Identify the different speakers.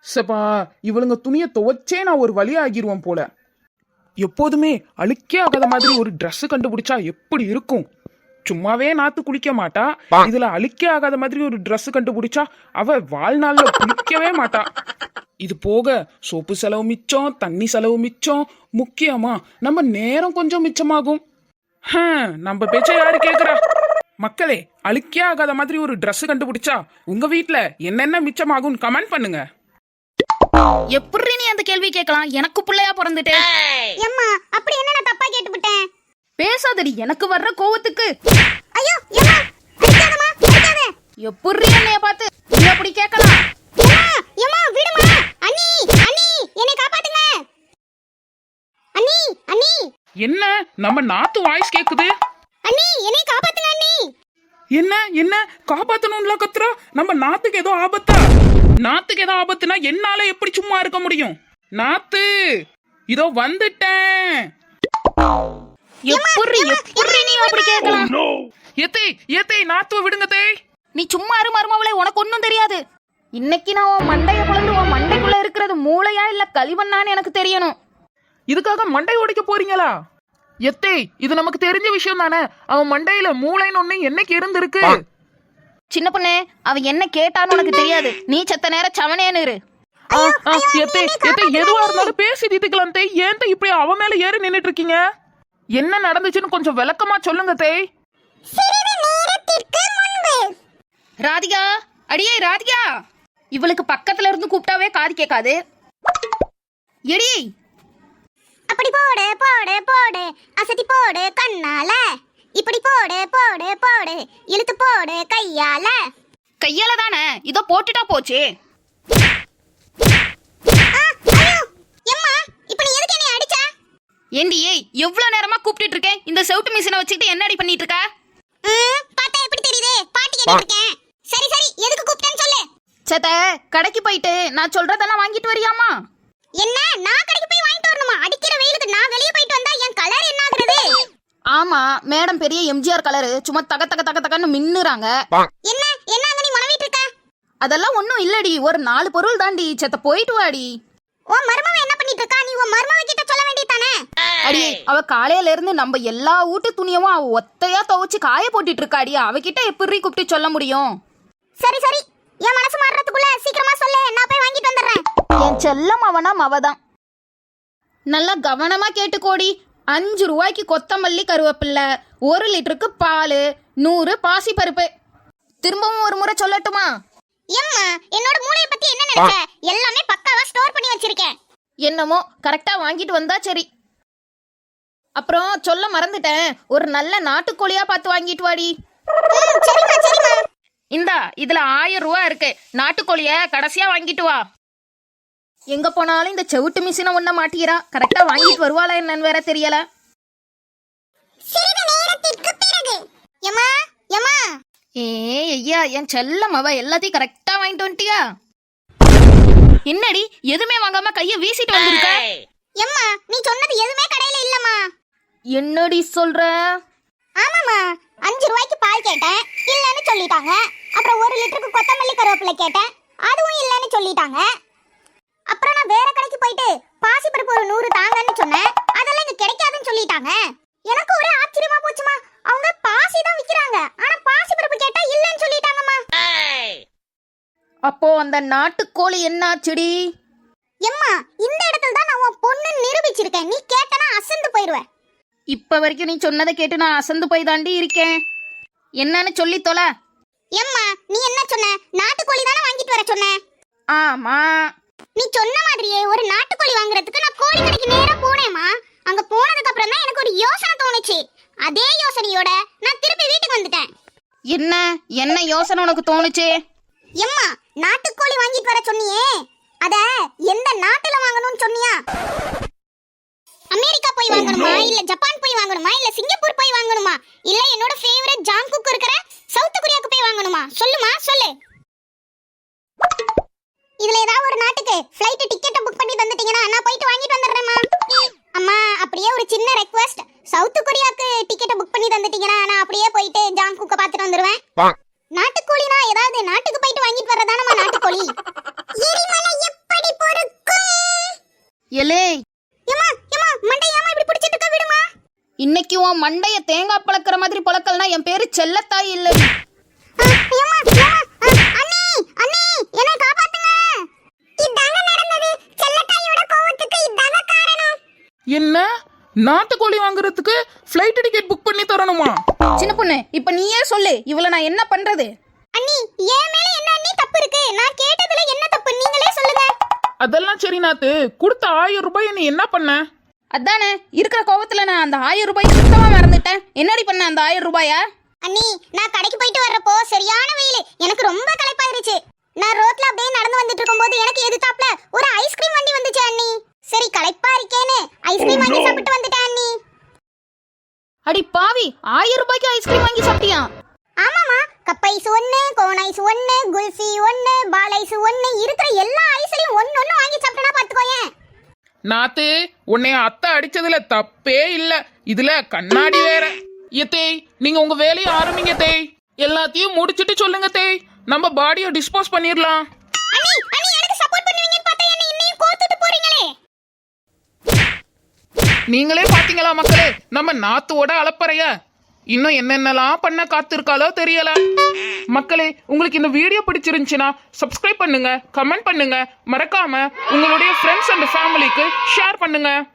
Speaker 1: சப்பா, இவளுங்க துணியை துவைச்சே நான் ஒரு வழி ஆகிருவேன் போல. எப்போதுமே அழுக்கே ஆகாத மாதிரி ஒரு Dress கண்டுபிடிச்சா எப்படி இருக்கும்? சும்மாவே நாத்து குளிக்க மாட்டா, இதுல அழுக்கே ஆகாத மாதிரி ஒரு Dress கண்டுபிடிச்சா அவ வாழ்நாள்ல குளிக்கவே மாட்டா. இது போக சோப்பு செலவு மிச்சம், தண்ணி செலவு மிச்சம், முக்கியமா நம்ம நேரம் கொஞ்சம் மிச்சமாகும். நம்ம பேச்ச யாரு கேக்குறா? மக்களே, அழுக்கே ஆகாத மாதிரி ஒரு Dress கண்டுபிடிச்சா உங்க வீட்ல என்னென்ன மிச்சமாகும் கமெண்ட் பண்ணுங்க.
Speaker 2: எப்படி நீ அந்த கேள்வி கேட்கலாம்? எனக்கு பிள்ளையா பிறந்துட்டே.
Speaker 3: அம்மா, அப்படி என்ன நான் தப்பா கேட்டுவிட்டேன்?
Speaker 2: பேசாதடி, எனக்கு வர்ற கோவத்துக்கு.
Speaker 3: ஐயோ அம்மா, அடிக்காதம்மா, அடிக்காத.
Speaker 2: எப்படி என்னைய பார்த்து நீ அப்படி கேட்கலாம்?
Speaker 3: அம்மா விடுமா. அண்ணி, அண்ணி, என்னை காப்பாத்துங்க. அண்ணி, அண்ணி.
Speaker 1: என்ன நம்ம நாத்து வாய்ஸ் கேக்குது?
Speaker 3: அண்ணி, என்னை காப்பாத்துங்க அண்ணி.
Speaker 1: என்ன என்ன காப்பாத்தணும்ல கத்துறா? நம்ம நாத்துக்கு ஏதோ ஆபத்தா? நாத்துக்கு ஏதோ ஆபத்துனா என்னால எப்படி சும்மா இருக்க முடியும்? நாத்து, இதோ வந்துட்டேன்.
Speaker 2: எப்படி நீ அப்படி கேட்கலாம்?
Speaker 1: ஏத்தே ஏத்தே, நாத்துவ விடுங்க தே.
Speaker 2: நீ சும்மா இரு மருமவளே, உனக்கு ஒன்னும் தெரியாது. இன்னைக்கு நான் உன் மண்டைய குழந்து உன் மண்டைக்குள்ள இருக்கிறது மூளையா இல்ல களிமண்ணான்னு எனக்கு தெரியணும்.
Speaker 1: இதுக்காக மண்டை உடைக்க போறீங்களா? எத்தே, இது நமக்கு தெரிஞ்ச விஷயம் தானே. அவன் மண்டையில மூளைன்னு ஒண்ணு என்னைக்கு இருந்திருக்கு?
Speaker 2: சின்ன பொண்ணே, அவ என்ன கேட்டான்னு உனக்கு தெரியாது. நீ செத்த நேரம் சவனேன்னு இரு.
Speaker 1: எத்தே எத்தே, எதுவா இருந்தாலும் பேசி தீர்த்துக்கலாம் தே. ஏன் தே இப்படி அவன் மேல ஏறி நின்னுட்டு இருக்கீங்க? என்ன நடந்துச்சுன்னு கொஞ்சம் விளக்கமா சொல்லுங்க தே.
Speaker 2: ராதிகா, அடியே ராதிகா, இவளுக்கு பக்கத்துல இருந்து கூப்பிட்டாவே காது கேட்காது. எடி,
Speaker 3: அப்படி போடு போடு போடு, அசத்தி போடு கண்ணால. இப்படி போடு போடு போடு, இழுத்து போடு கையால.
Speaker 2: கையால தானே, இதோ போட்டுட்டா போச்சு. ஏண்டி, எவ்வளவு நேரமா கூப்பிட்டு இருக்கேன். இந்த செவுட்டு மிஷினை வச்சுக்கிட்டு என்னடி பண்ணிட்டு இருக்க?
Speaker 3: பாத்தா எப்படி தெரியுது? பாட்டி கேட்டுட்டு இருக்கேன். சரி சரி, எதுக்கு கூப்பிட்டேன்னு சொல்லு.
Speaker 2: சேத்த, கடைக்கு போயிட்டு நான் சொல்றதெல்லாம் வாங்கிட்டு வரியாமா?
Speaker 3: என்ன, நான் கடைக்கு போய் வாங்கிட்டு வரணுமா? அடிக்கிற வெயிலுக்கு நான் வெளிய போயிட்டு வந்தா என் கலர் என்ன ஆகுறது?
Speaker 2: ஆமா, மேடம் பெரிய எம்ஜிஆர் கலரு, சும்மா தக தக தக தகன்னு மின்னுறாங்க.
Speaker 3: என்ன என்னங்க நீ மனவிட்டு இருக்க?
Speaker 2: அதெல்லாம் ஒண்ணும் இல்லடி, ஒரு 4 பொருள் தாண்டி. சேத்த, போயிட்டு வாடி.
Speaker 3: ஓ மர்மவ என்ன பண்ணிட்டு இருக்கா? நீ உன் மர்மவ கிட்ட சொல்ல வேண்டியதானே?
Speaker 2: அடி, அவ காலையில இருந்து நம்ம எல்லா வீட்டு துணியவும் அவ ஒத்தையா துவைச்சு காய போட்டுட்டு இருக்காடி. அவகிட்ட எப்படி கூப்பிட்டு சொல்ல முடியும்?
Speaker 3: சரி சரி, என் மனசு மாறறதுக்குள்ள சீக்கிரமா சொல்லு, நான் போய் வாங்கிட்டு வந்துடுறேன்.
Speaker 2: என் செல்லம் அவனா மவதான். நல்லா கவனமா கேட்டுக்கோடி. 5 ரூபாய்க்கு கொத்தமல்லி கருவேப்பில்லை, 1 லிட்டருக்கு பால், 100 பாசி பருப்பு. திரும்பவும் ஒரு முறை சொல்லட்டுமா?
Speaker 3: எம்மா, என்னோட மூளைய பத்தி என்ன நினைச்ச? எல்லாமே பக்காவா ஸ்டோர் பண்ணி வச்சிருக்கேன்.
Speaker 2: என்னமோ கரெக்டா வாங்கிட்டு வந்தா சரி. அப்புறம் சொல்ல மறந்துட்டேன், ஒரு நல்ல நாட்டுக்கோழியா பார்த்து வாங்கிட்டு வாடி.
Speaker 3: சரிமா சரிமா.
Speaker 2: இந்தா, இதுல 1000 ரூபாய் இருக்கு. நாட்டுக்கோழிய கடைசியா வாங்கிட்டு வா. எங்க போனாலும் இந்த செவுட்டு மிஷினை ஒண்ண மாட்டிக்கிறா. கரெக்டா வாங்கிட்டு வருவாளா என்னன்னு வேற தெரியல.
Speaker 3: சிறிது நேரத்திற்கு பிறகு எம்மா எம்மா.
Speaker 2: ஐயா, என் செல்லம் அவ எல்லாத்தையும் கரெக்டா வாங்கிட்டு வந்துட்டியா? என்னடி, எதுவுமே வாங்காம கைய வீசிட்டு வந்திருக்க?
Speaker 3: எம்மா, நீ சொன்னது எதுவுமே கடையில இல்லம்மா.
Speaker 2: என்னடி சொல்ற?
Speaker 3: ஆமாமா, 5 ரூபாய்க்கு பால் கேட்டேன், இல்லன்னு சொல்லிட்டாங்க. அப்புறம் 1 லிட்டருக்கு கொத்தமல்லி கருவேப்பிலை கேட்டேன், அதுவும் இல்லன்னு சொல்லிட்டாங்க. அப்புறம் நான் வேற கடைக்கு போயிட்டு பாசி பருப்பு ஒரு 100 தாங்கன்னு சொன்னேன், அதெல்லாம் இங்க கிடைக்காதுன்னு சொல்லிட்டாங்க. எனக்கு ஒரே ஆச்சரியமா போச்சுமா. அவங்க பாசி தான் விக்கிறாங்க, ஆனா பாசி பருப்பு கேட்டா இல்லன்னு சொல்லிட்டாங்கம்மா.
Speaker 2: அப்போ அந்த நாட்டுக்கோழி என்னாச்சுடி?
Speaker 3: எம்மா, இந்த இடத்துல தான் நான் உன் பொண்ணு நிரூபிச்சிருக்கேன். நீ கேட்டனா அசந்து போயிடுவ.
Speaker 2: இப்ப வரைக்கும் நீ சொன்னதை கேட்டு நான் அசந்து போய் தாண்டி இருக்கேன். என்னன்னு சொல்லி தொலை.
Speaker 3: எம்மா, நீ என்ன சொன்ன? நாட்டுக்கோழி தானே வாங்கிட்டு வர சொன்ன?
Speaker 2: ஆமா,
Speaker 3: நீ சொன்ன மாதிரியே ஒரு நாட்டுக்கோழி வாங்குறதுக்கு நான் கோழி கடைக்கு நேரா போனேம்மா. அங்க போனதுக்கு அப்புறம் தான் எனக்கு ஒரு யோசனை தோணுச்சு. அதே யோசனையோட நான் திருப்பி வீட்டுக்கு வந்துட்டேன்.
Speaker 2: என்ன என்ன யோசனை உனக்கு தோணுச்சு?
Speaker 3: எம்மா, நாட்டுக்கோழி வாங்கிட்டு வர சொன்னியே, அத எந்த நாட்டுல வாங்கணும்னு சொன்னியா? அமெரிக்கா போய் வாங்கணுமா, இல்ல ஜப்பான் போய் வாங்கணுமா, இல்ல சிங்கப்பூர் போய் வாங்கணுமா, இல்ல என்னோட ஃபேவரட் ஜாங்குக் இருக்கிற சவுத் கொரியாக்கு போய் வாங்கணுமா? சொல்லுமா சொல்லு. இதுல ஏதாவது ஒரு நாட்டுக்கு ஃளைட் டிக்கெட் புக் பண்ணி தந்துட்டீங்கன்னா நான் போயிட்டு வாங்கிட்டு வந்துடுறேம்மா. அம்மா, அப்படியே ஒரு சின்ன ரெக்வெஸ்ட், சவுத் கொரியாக்கு டிக்கெட் புக் பண்ணி தந்துட்டீங்கன்னா நான் அப்படியே போயிட்டு ஜாங்குக்க பார்த்துட்டு வந்துடுவேன். நாட்டுக்கோழினா ஏதாவது நாட்டுக்கு போயிட்டு வாங்கிட்டு வரதானமா நாட்டுக்கோழி. எரிமலை எப்படி
Speaker 2: எலே
Speaker 3: ஏமா ஏமா மண்டை ஏமா இப்படி பிடிச்சிட்டு இருக்க விடுமா.
Speaker 2: இன்னைக்கு உன் மண்டைய தேங்காய் பழக்கிற மாதிரி பழக்கல்னா என் பேரு செல்லத்தாய் இல்லை.
Speaker 3: ஏமா ஏமா அண்ணி அண்ணி என்னை காப்பாத்துங்க. இதாங்க நடந்தது. செல்லத்தாயோட கோவத்துக்கு இதாங்க காரணம்.
Speaker 1: என்ன நாட்டுக்கோழி வாங்குறதுக்கு ஃப்ளைட் டிக்கெட் புக் பண்ணி தரணுமா?
Speaker 2: சின்ன பொண்ணு இப்ப நீயே சொல்லு, இவள நான் என்ன பண்றது?
Speaker 3: அண்ணி என் மேல என்ன அண்ணி தப்பு இருக்கு? நான் கேட்டதுல என்ன தப்பு நீங்களே சொல்லுங்க.
Speaker 1: அதெல்லாம் சரி நாத்து, கொடுத்த 1000 ரூபாய் நீ என்ன பண்ண?
Speaker 2: அதானே இருக்கிற கோவத்துல நான் அந்த 1000 ரூபாய் சுத்தமா மறந்துட்டேன். என்னடி பண்ண அந்த 1000 ரூபாயா?
Speaker 3: அண்ணி நான் கடைக்கு போயிட்டு வர்றப்போ சரியான வெயில், எனக்கு ரொம்ப களைப்பாயிருச்சு. நான் ரோட்ல அப்படியே நடந்து வந்துட்டு இருக்கும்போது எனக்கு எதிர்த்தாப்புல ஒரு ஐஸ்கிரீம் வண்டி வந்துச்சு அண்ணி. சரி களைப்பா இருக்கேன்னு ஐஸ்கிரீம் வாங்கி சாப்பிட்டு வந்துட்டேன் அண்ணி.
Speaker 2: அடி பாவி, 1000 ரூபாய்க்கு ஐஸ்கிரீம் வாங்கி சாப்பிட்டியா?
Speaker 3: ஆமாமா, cup ice 1, cone ice 1, kulfi 1, பால் ஐஸ் 1, இருக்கிற எல்லா ஐஸ்லயும் ஒன்னு வாங்கி சாப்பிட்டனா பாத்துக்கோயேன்.
Speaker 1: நாத்து, உன்னைய அத்தை அடிச்சதுல தப்பே இல்ல, இதுல கண்ணாடி வேற. தேய், நீங்க உங்க வேலையை ஆரம்பிங்க தேய். எல்லாத்தையும் முடிச்சிட்டு சொல்லுங்க தேய், நம்ம பாடியை டிஸ்போஸ் பண்ணிடலாம்.
Speaker 3: அண்ணி அண்ணி எனக்கு சப்போர்ட் பண்ணுவீங்கன்னு பார்த்தா என்ன இன்னையும் கோத்துட்டு போறீங்களே.
Speaker 1: நீங்களே பாத்தீங்களா மக்களே, நம்ம நாத்துவோட அலப்பறைய இன்னும் என்னென்னலாம் பண்ண காத்திருக்காளோ தெரியல. மக்களே, உங்களுக்கு இந்த வீடியோ பிடிச்சிருந்துச்சுன்னா சப்ஸ்கிரைப் பண்ணுங்க, கமெண்ட் பண்ணுங்க, மறக்காம உங்களுடைய ஃப்ரெண்ட்ஸ் அண்ட் ஃபேமிலிக்கு ஷேர் பண்ணுங்க.